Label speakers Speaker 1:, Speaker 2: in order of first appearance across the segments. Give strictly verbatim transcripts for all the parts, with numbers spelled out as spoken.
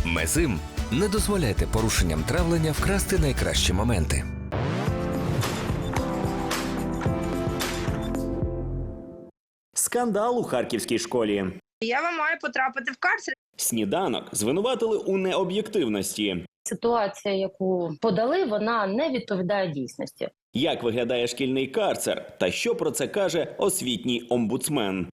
Speaker 1: Мезим. Не дозволяйте порушенням травлення вкрасти найкращі моменти.
Speaker 2: Скандал у харківській школі.
Speaker 3: Я вам маю потрапити в карцер.
Speaker 2: Сніданок звинуватили у необ'єктивності.
Speaker 4: Ситуація, яку подали, вона не відповідає дійсності.
Speaker 2: Як виглядає шкільний карцер та що про це каже освітній омбудсмен?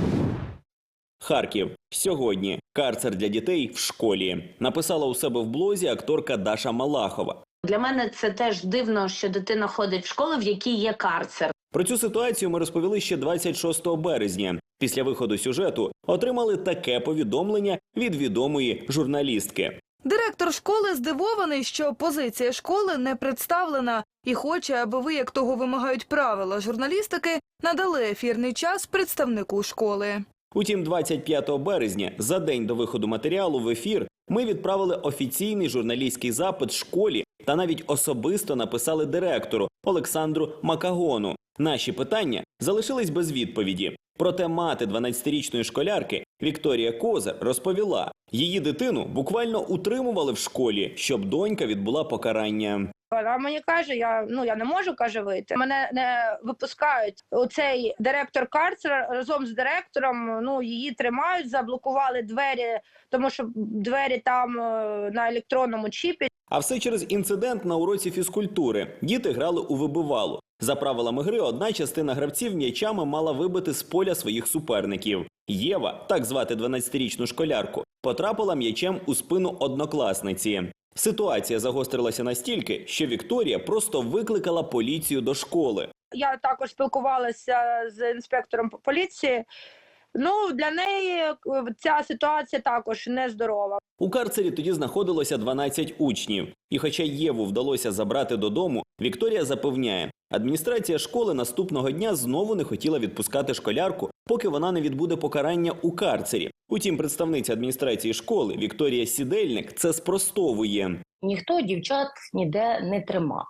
Speaker 2: Харків. Сьогодні. Карцер для дітей в школі. Написала у себе в блозі акторка Даша Малахова.
Speaker 5: Для мене це теж дивно, що дитина ходить в школу, в якій є карцер.
Speaker 2: Про цю ситуацію ми розповіли ще двадцять шостого березня. Після виходу сюжету отримали таке повідомлення від відомої журналістки.
Speaker 6: Директор школи здивований, що позиція школи не представлена і хоче, аби ви, як того вимагають правила журналістики, надали ефірний час представнику школи.
Speaker 2: Утім, двадцять п'ятого березня, за день до виходу матеріалу в ефір, ми відправили офіційний журналістський запит школі та навіть особисто написали директору Олександру Макагону. Наші питання залишились без відповіді. Проте мати дванадцятирічної школярки Вікторія Козир розповіла, її дитину буквально утримували в школі, щоб донька відбула покарання.
Speaker 3: Вона мені каже, я, ну, я не можу, каже, вийти. Мене не випускають. Оцей директор карцера разом з директором, ну, її тримають, заблокували двері, тому що двері там е, на електронному чіпі.
Speaker 2: А все через інцидент на уроці фізкультури. Діти грали у вибивалу. За правилами гри, одна частина гравців м'ячами мала вибити з поля своїх суперників. Єва, так звати дванадцятирічну школярку, потрапила м'ячем у спину однокласниці. Ситуація загострилася настільки, що Вікторія просто викликала поліцію до школи.
Speaker 3: Я також спілкувалася з інспектором поліції. Ну, для неї ця ситуація також нездорова.
Speaker 2: У карцері тоді знаходилося дванадцять учнів. І хоча Єву вдалося забрати додому, Вікторія запевняє, адміністрація школи наступного дня знову не хотіла відпускати школярку, поки вона не відбуде покарання у карцері. Утім, представниця адміністрації школи Вікторія Сідельник це спростовує.
Speaker 4: Ніхто дівчат ніде не тримав.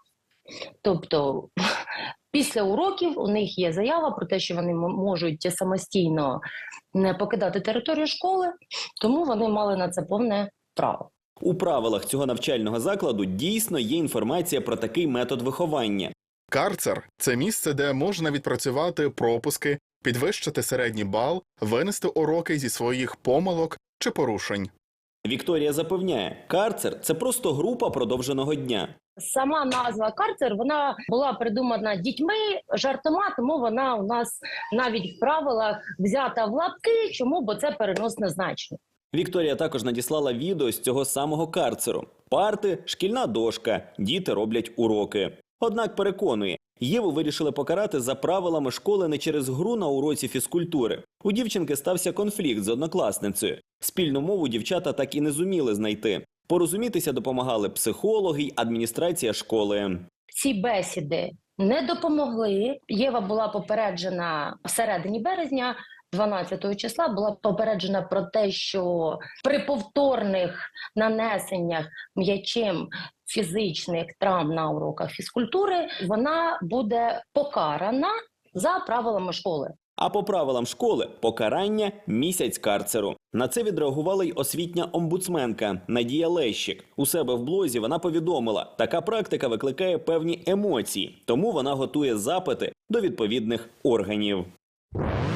Speaker 4: Тобто, після уроків у них є заява про те, що вони можуть самостійно не покидати територію школи, тому вони мали на це повне право.
Speaker 2: У правилах цього навчального закладу дійсно є інформація про такий метод виховання.
Speaker 7: Карцер – це місце, де можна відпрацювати пропуски, підвищити середній бал, винести уроки зі своїх помилок чи порушень.
Speaker 2: Вікторія запевняє, карцер – це просто група продовженого дня.
Speaker 4: Сама назва карцер, вона була придумана дітьми, жартома, тому вона у нас навіть в правилах взята в лапки, чому, бо це переносне значення.
Speaker 2: Вікторія також надіслала відео з цього самого карцеру. Парти, шкільна дошка, діти роблять уроки. Однак переконує, Єву вирішили покарати за правилами школи не через гру на уроці фізкультури. У дівчинки стався конфлікт з однокласницею. Спільну мову дівчата так і не зуміли знайти. Порозумітися допомагали психологи й адміністрація школи.
Speaker 4: Ці бесіди не допомогли. Єва була попереджена в середині березня, дванадцятого числа, була попереджена про те, що при повторних нанесеннях м'ячем фізичних травм на уроках фізкультури вона буде покарана за правилами школи.
Speaker 2: А по правилам школи – покарання – місяць карцеру. На це відреагувала й освітня омбудсменка Надія Лещик. У себе в блозі вона повідомила, така практика викликає певні емоції, тому вона готує запити до відповідних органів.